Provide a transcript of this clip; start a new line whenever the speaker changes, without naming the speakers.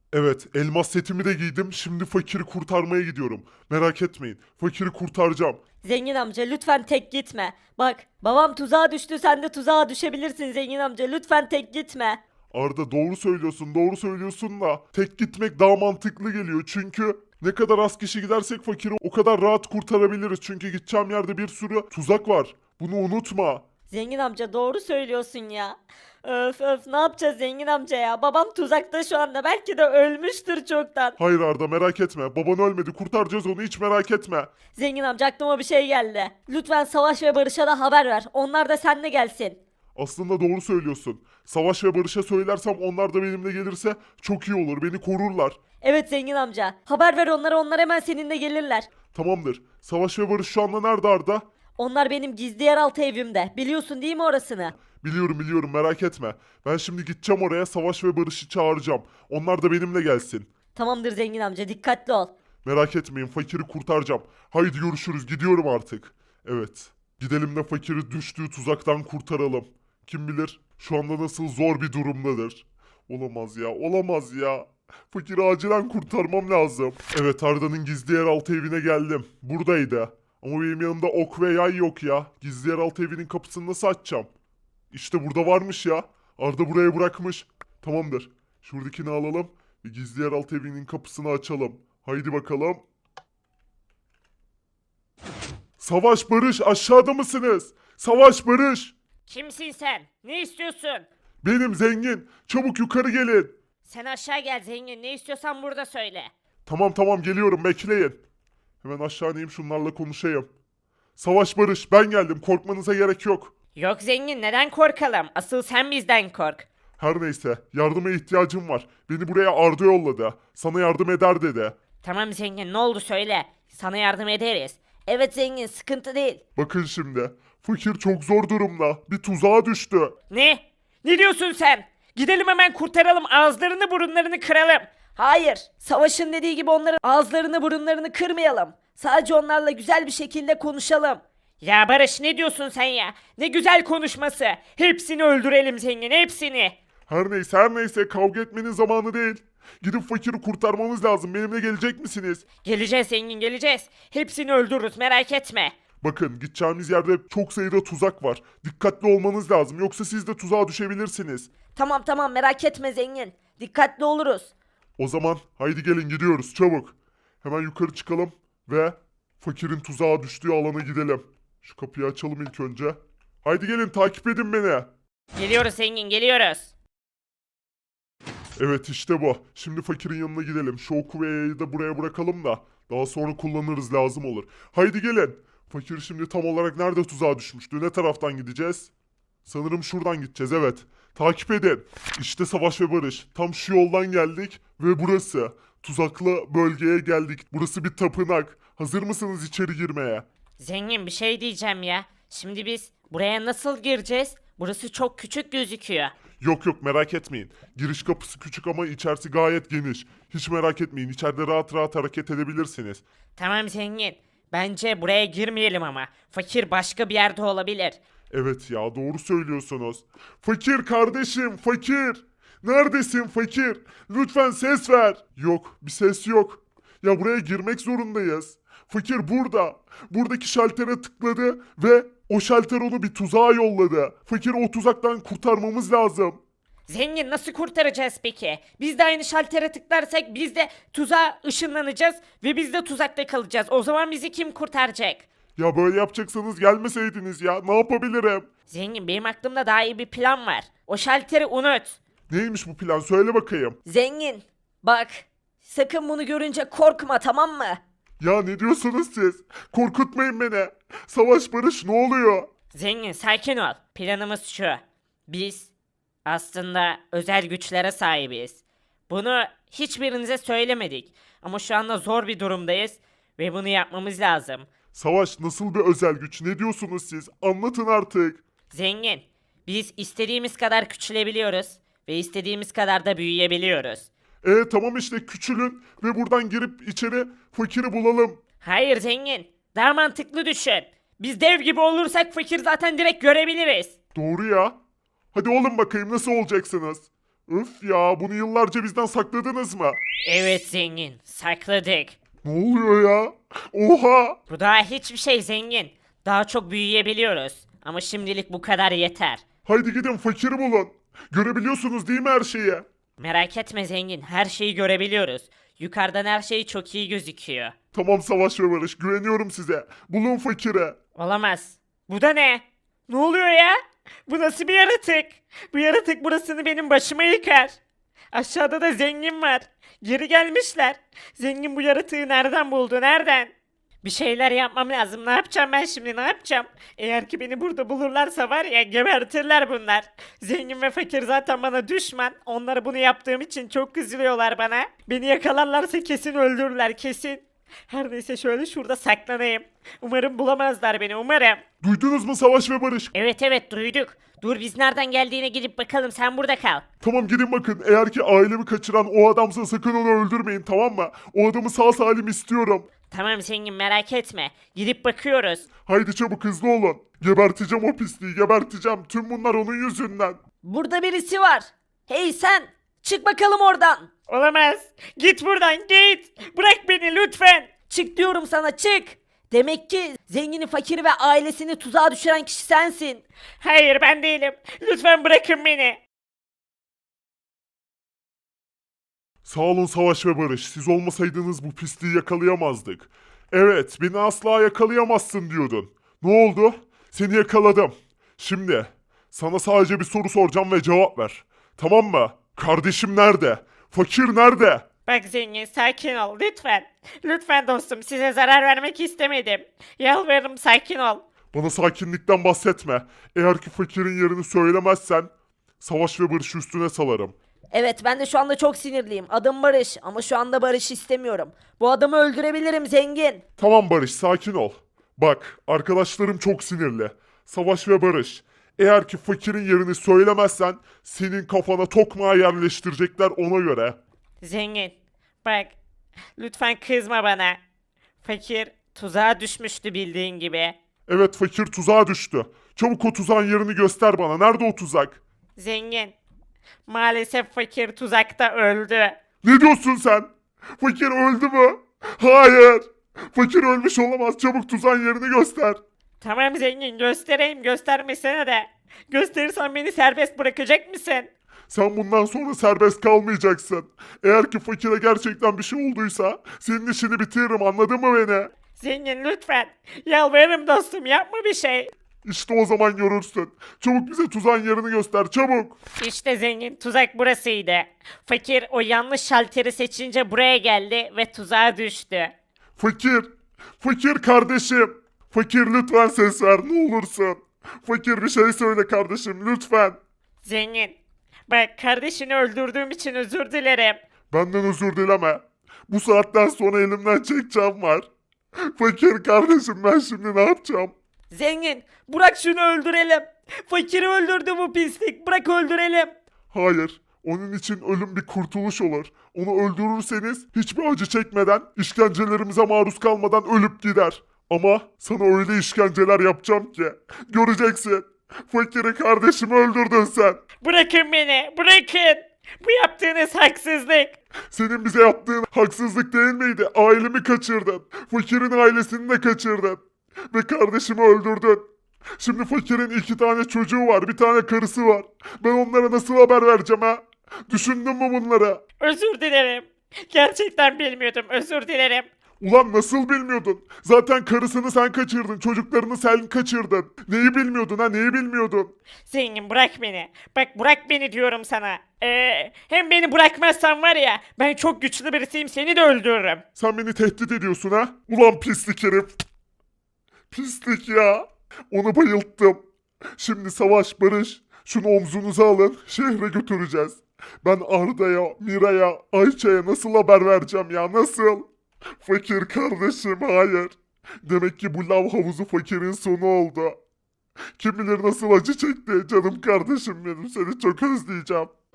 Evet, elmas setimi de giydim. Şimdi fakiri kurtarmaya gidiyorum. Merak etmeyin. Fakiri kurtaracağım.
Zengin amca lütfen tek gitme. Bak babam tuzağa düştü, sen de tuzağa düşebilirsin zengin amca, lütfen tek gitme.
Arda doğru söylüyorsun, doğru söylüyorsun da tek gitmek daha mantıklı geliyor. Çünkü ne kadar az kişi gidersek fakiri o kadar rahat kurtarabiliriz. Çünkü gideceğim yerde bir sürü tuzak var. Bunu unutma.
Zengin amca doğru söylüyorsun ya. Öf öf, ne yapacağız zengin amca ya? Babam tuzakta şu anda, belki de ölmüştür çoktan.
Hayır Arda merak etme. Baban ölmedi. Kurtaracağız onu hiç merak etme.
Zengin amca aklıma bir şey geldi. Lütfen Savaş ve Barış'a da haber ver. Onlar da seninle gelsin.
Aslında doğru söylüyorsun. Savaş ve Barış'a söylersem onlar da benimle gelirse çok iyi olur. Beni korurlar.
Evet zengin amca. Haber ver onlara, onlar hemen seninle gelirler.
Tamamdır. Savaş ve Barış şu anda nerede Arda?
Onlar benim gizli yeraltı evimde. Biliyorsun değil mi orasını?
Biliyorum biliyorum merak etme. Ben şimdi gideceğim oraya Savaş ve Barış'ı çağıracağım. Onlar da benimle gelsin.
Tamamdır zengin amca, dikkatli ol.
Merak etmeyin fakiri kurtaracağım. Haydi görüşürüz gidiyorum artık. Evet. Gidelim de fakiri düştüğü tuzaktan kurtaralım. Kim bilir şu anda nasıl zor bir durumdadır. Olamaz ya olamaz ya. Fakiri acilen kurtarmam lazım. Evet Arda'nın gizli yeraltı evine geldim. Buradaydı. Ama benim yanımda ok ve yay yok ya. Gizli yeraltı evinin kapısını nasıl açacağım? İşte burada varmış ya. Arda buraya bırakmış. Tamamdır. Şuradakini alalım. Ve gizli yeraltı evinin kapısını açalım. Haydi bakalım. Savaş Barış aşağıda mısınız? Savaş Barış.
Kimsin sen? Ne istiyorsun?
Benim zengin. Çabuk yukarı gelin.
Sen aşağı gel zengin. Ne istiyorsan burada söyle.
Tamam tamam geliyorum bekleyin. Hemen aşağı ineyim şunlarla konuşayım. Savaş Barış ben geldim korkmanıza gerek yok.
Yok zengin, neden korkalım? Asıl sen bizden kork.
Her neyse yardıma ihtiyacım var. Beni buraya Arda yolladı. Sana yardım eder dedi.
Tamam zengin, ne oldu söyle. Sana yardım ederiz. Evet zengin, sıkıntı değil.
Bakın şimdi. Fakir çok zor durumda. Bir tuzağa düştü.
Ne? Ne diyorsun sen? Gidelim hemen kurtaralım, ağızlarını burunlarını kıralım. Hayır, Savaş'ın dediği gibi onların ağızlarını burunlarını kırmayalım. Sadece onlarla güzel bir şekilde konuşalım. Ya Barış, ne diyorsun sen ya? Ne güzel konuşması. Hepsini öldürelim zengin, hepsini.
Her neyse kavga etmenin zamanı değil. Gidip fakiri kurtarmamız lazım. Benimle gelecek misiniz?
Geleceğiz zengin, geleceğiz. Hepsini öldürürüz, merak etme.
Bakın gideceğimiz yerde çok sayıda tuzak var. Dikkatli olmanız lazım. Yoksa siz de tuzağa düşebilirsiniz.
Tamam tamam, merak etme zengin. Dikkatli oluruz.
O zaman haydi gelin gidiyoruz çabuk. Hemen yukarı çıkalım ve fakirin tuzağa düştüğü alana gidelim. Şu kapıyı açalım ilk önce. Haydi gelin takip edin beni.
Geliyoruz zengin, geliyoruz.
Evet işte bu. Şimdi fakirin yanına gidelim. Şu oku ve yayı da buraya bırakalım da daha sonra kullanırız lazım olur. Haydi gelin. Fakir şimdi tam olarak nerede tuzağa düşmüştü? Ne taraftan gideceğiz? Sanırım şuradan gideceğiz evet. Takip edin. İşte Savaş ve Barış. Tam şu yoldan geldik ve burası. Tuzaklı bölgeye geldik. Burası bir tapınak. Hazır mısınız içeri girmeye?
Zengin, bir şey diyeceğim ya. Şimdi biz buraya nasıl gireceğiz? Burası çok küçük gözüküyor.
Yok yok merak etmeyin. Giriş kapısı küçük ama içerisi gayet geniş. Hiç merak etmeyin. İçeride rahat rahat hareket edebilirsiniz.
Tamam zengin. Bence buraya girmeyelim ama. Fakir başka bir yerde olabilir.
Evet ya doğru söylüyorsunuz. Fakir kardeşim fakir. Neredesin fakir? Lütfen ses ver. Yok bir ses yok. Ya buraya girmek zorundayız. Fakir burada. Buradaki şaltere tıkladı ve o şalter onu bir tuzağa yolladı. Fakir o tuzaktan kurtarmamız lazım.
Zengin, nasıl kurtaracağız peki? Biz de aynı şaltere tıklarsak biz de tuzağa ışınlanacağız ve biz de tuzakta kalacağız. O zaman bizi kim kurtaracak?
Ya böyle yapacaksanız gelmeseydiniz ya. Ne yapabilirim?
Zengin, benim aklımda daha iyi bir plan var. O şalteri unut.
Neymiş bu plan? Söyle bakayım.
Zengin, bak. Sakın bunu görünce korkma, tamam mı?
Ya ne diyorsunuz siz? Korkutmayın beni. Savaş barış ne oluyor?
Zengin, sakin ol. Planımız şu. Biz aslında özel güçlere sahibiz. Bunu hiçbirinize söylemedik. Ama şu anda zor bir durumdayız ve bunu yapmamız lazım.
Savaş nasıl bir özel güç? Ne diyorsunuz siz? Anlatın artık.
Zengin, biz istediğimiz kadar küçülebiliyoruz ve istediğimiz kadar da büyüyebiliyoruz.
Tamam işte küçülün ve buradan girip içeri fakiri bulalım.
Hayır zengin, daha mantıklı düşün. Biz dev gibi olursak fakir zaten direkt görebiliriz.
Doğru ya. Hadi olun bakayım nasıl olacaksınız? Öf ya, bunu yıllarca bizden sakladınız mı?
Evet zengin, sakladık.
Ne oluyor ya? Oha!
Bu daha hiçbir şey zengin. Daha çok büyüyebiliyoruz. Ama şimdilik bu kadar yeter.
Haydi gidin fakiri bulun. Görebiliyorsunuz değil mi her şeyi?
Merak etme zengin, her şeyi görebiliyoruz. Yukarıdan her şey çok iyi gözüküyor.
Tamam Savaş ve Barış, güveniyorum size. Bulun fakiri.
Olamaz. Bu da ne? Ne oluyor ya? Bu nasıl bir yaratık? Bu yaratık burasını benim başıma yıkar. Aşağıda da zengin var. Geri gelmişler. Zengin bu yaratığı nereden buldu? Nereden? Bir şeyler yapmam lazım. Ne yapacağım ben şimdi? Ne yapacağım? Eğer ki beni burada bulurlarsa var ya gebertirler bunlar. Zengin ve fakir zaten bana düşman. Onlara bunu yaptığım için çok kızıyorlar bana. Beni yakalarlarsa kesin öldürürler kesin. Her neyse şöyle şurada saklanayım. Umarım bulamazlar beni umarım.
Duydunuz mu Savaş ve Barış?
Evet duyduk. Dur biz nereden geldiğine gidip bakalım sen burada kal.
Tamam gidin bakın. Eğer ki ailemi kaçıran o adamsa sakın onu öldürmeyin, tamam mı? O adamı sağ salim istiyorum.
Tamam zengin merak etme. Gidip bakıyoruz.
Haydi çabuk hızlı olun. Geberteceğim o pisliği, geberteceğim. Tüm bunlar onun yüzünden.
Burada birisi var. Hey sen çık bakalım oradan. Olamaz. Git buradan git. Bırak beni lütfen. Çık diyorum sana çık. Demek ki zengini, fakiri ve ailesini tuzağa düşüren kişi sensin. Hayır ben değilim. Lütfen bırakın beni.
Sağ olun Savaş ve Barış. Siz olmasaydınız bu pisliği yakalayamazdık. Evet, beni asla yakalayamazsın diyordun. Ne oldu? Seni yakaladım. Şimdi sana sadece bir soru soracağım ve cevap ver. Tamam mı? Kardeşim nerede? Fakir nerede?
Bak zengin sakin ol lütfen. Lütfen dostum size zarar vermek istemedim. Yalvarırım sakin ol.
Bana sakinlikten bahsetme. Eğer ki fakirin yerini söylemezsen Savaş ve Barış'ı üstüne salarım.
Evet ben de şu anda çok sinirliyim. Adım Barış ama şu anda Barış istemiyorum. Bu adamı öldürebilirim zengin.
Tamam Barış, sakin ol. Bak, arkadaşlarım çok sinirli. Savaş ve Barış, eğer ki fakirin yerini söylemezsen senin kafana tokmağı yerleştirecekler ona göre.
Zengin bak lütfen kızma bana. Fakir tuzağa düşmüştü bildiğin gibi.
Evet, fakir tuzağa düştü. Çabuk o tuzağın yerini göster bana. Nerede o tuzak?
Zengin maalesef fakir tuzakta öldü.
Ne diyorsun sen? Fakir öldü mü? Hayır. Fakir ölmüş olamaz. Çabuk tuzağın yerini göster.
Tamam zengin göstereyim göstermesene de. Gösterirsen beni serbest bırakacak mısın?
Sen bundan sonra serbest kalmayacaksın. Eğer ki fakire gerçekten bir şey olduysa senin işini bitiririm, anladın mı beni?
Zengin lütfen. Yalvarırım dostum yapma bir şey.
İşte o zaman görürsün. Çabuk bize tuzağın yerini göster, çabuk.
İşte zengin tuzak burasıydı. Fakir o yanlış şalteri seçince buraya geldi ve tuzağa düştü.
Fakir, fakir kardeşim. Fakir lütfen ses ver, ne olursun. Fakir bir şey söyle kardeşim, lütfen.
Zengin bak kardeşini öldürdüğüm için özür dilerim.
Benden özür dileme. Bu saatten sonra elimden çekeceğim var. Fakir kardeşim, ben şimdi ne yapacağım?
Zengin bırak şunu öldürelim. Fakiri öldürdü bu pislik bırak öldürelim.
Hayır. Onun için ölüm bir kurtuluş olur. Onu öldürürseniz hiçbir acı çekmeden, işkencelerimize maruz kalmadan ölüp gider. Ama sana öyle işkenceler yapacağım ki göreceksin. Fakiri kardeşimi öldürdün sen.
Bırakın beni bırakın. Bu yaptığınız haksızlık.
Senin bize yaptığın haksızlık değil miydi? Ailemi kaçırdın. Fakirin ailesini de kaçırdın. Ve kardeşimi öldürdün. Şimdi fakirin 2 tane çocuğu var, bir tane karısı var. Ben onlara nasıl haber vereceğim ha? Düşündün mü bunları?
Özür dilerim. Gerçekten bilmiyordum özür dilerim.
Ulan nasıl bilmiyordun? Zaten karısını sen kaçırdın, çocuklarını sen kaçırdın. Neyi bilmiyordun ha, neyi bilmiyordun?
Zengin bırak beni. Bak bırak beni diyorum sana. Hem beni bırakmazsan var ya ben çok güçlü birisiyim seni de öldürürüm.
Sen beni tehdit ediyorsun ha? Ulan pislik herif. Pislik ya. Onu bayılttım. Şimdi Savaş, Barış, şunu omzunuza alın, şehre götüreceğiz. Ben Arda'ya, Mira'ya, Ayça'ya nasıl haber vereceğim ya, nasıl? Fakir kardeşim, hayır. Demek ki bu lav havuzu fakirin sonu oldu. Kim bilir nasıl acı çekti canım kardeşim benim, seni çok özleyeceğim.